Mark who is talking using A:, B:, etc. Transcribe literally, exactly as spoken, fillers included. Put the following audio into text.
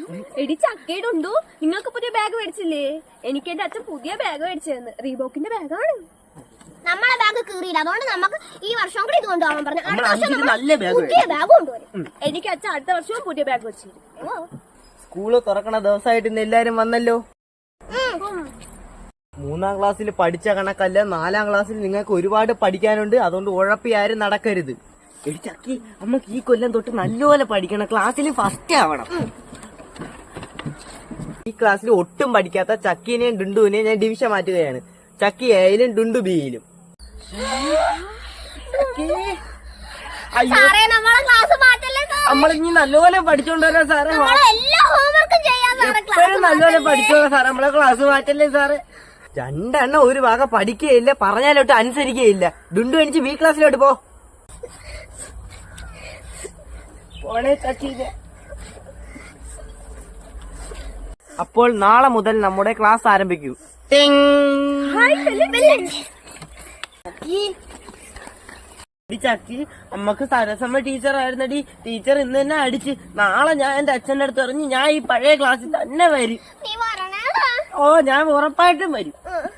A: എടി ചക്കയിടുണ്ടു, നിങ്ങൾക്ക് പുതിയ ബാഗ് മേടിച്ചില്ലേ? എനിക്ക് എന്റെ അച്ഛൻ പുതിയ ബാഗ് മേടിച്ചതെന്ന്. റീബോക്കിന്റെ ബാഗാണ്.
B: നമ്മളെ ബാഗ് കീറിയില്ല, അതുകൊണ്ട് നമുക്ക് ഈ വർഷം കൂടി ഇത് കൊണ്ടുപോകാൻ പറഞ്ഞു.
C: നല്ല
B: പുതിയ ബാഗ് കൊണ്ടുവരും.
A: എനിക്ക് അച്ഛൻ അടുത്ത വർഷവും പുതിയ ബാഗ് വെച്ചിരുന്നു.
C: സ്കൂള് തുറക്കണ ദിവസമായിട്ട് ഇന്ന് എല്ലാരും വന്നല്ലോ. മൂന്നാം ക്ലാസ്സിൽ പഠിച്ച കണക്കല്ല, നാലാം ക്ലാസ്സിൽ നിങ്ങൾക്ക് ഒരുപാട് പഠിക്കാനുണ്ട്. അതുകൊണ്ട് ഉഴപ്പി ആരും നടക്കരുത്. എടി ചക്കി, നമുക്ക് ഈ കൊല്ലം തൊട്ട് നല്ലപോലെ പഠിക്കണം, ക്ലാസ്സിൽ ഫസ്റ്റ് ആവണം. ഈ ക്ലാസ്സിൽ ഒട്ടും പഠിക്കാത്ത ചക്കീനെയും ഡുണ്ടുവിനെയും ഞാൻ ഡിവിഷൻ മാറ്റുകയാണ്. ചക്കി എയിലും ഡുണ്ടു ബിയിലും. നമ്മളിനി നല്ലപോലെ പഠിച്ചോണ്ടല്ലോ സാറേ. എപ്പോഴും നല്ലപോലെ പഠിച്ചോളാം സാറേ. നമ്മളെ ക്ലാസ് മാറ്റല്ലേ സാറേ. രണ്ടെണ്ണം ഒരു ഭാഗം പഠിക്കുകയില്ല, പറഞ്ഞാലോട്ട് അനുസരിക്കുകയില്ല. ഡുണ്ടു എണിച്ച് ബി ക്ലാസ്സിലോട്ട് പോ. പോണേ ചക്കീനെ. അപ്പോൾ നാളെ മുതൽ നമ്മുടെ ക്ലാസ് ആരംഭിക്കൂ. ചക്കി, നമ്മക്ക് സരസമ്മ ടീച്ചർ ആയിരുന്നടി. ടീച്ചർ ഇന്ന് തന്നെ അടിച്ച്. നാളെ ഞാൻ എന്റെ അച്ഛന്റെ അടുത്ത് പറഞ്ഞു ഞാൻ ഈ പഴയ ക്ലാസ്സിൽ തന്നെ വരും. ഓ, ഞാൻ ഉറപ്പായിട്ടും വരും.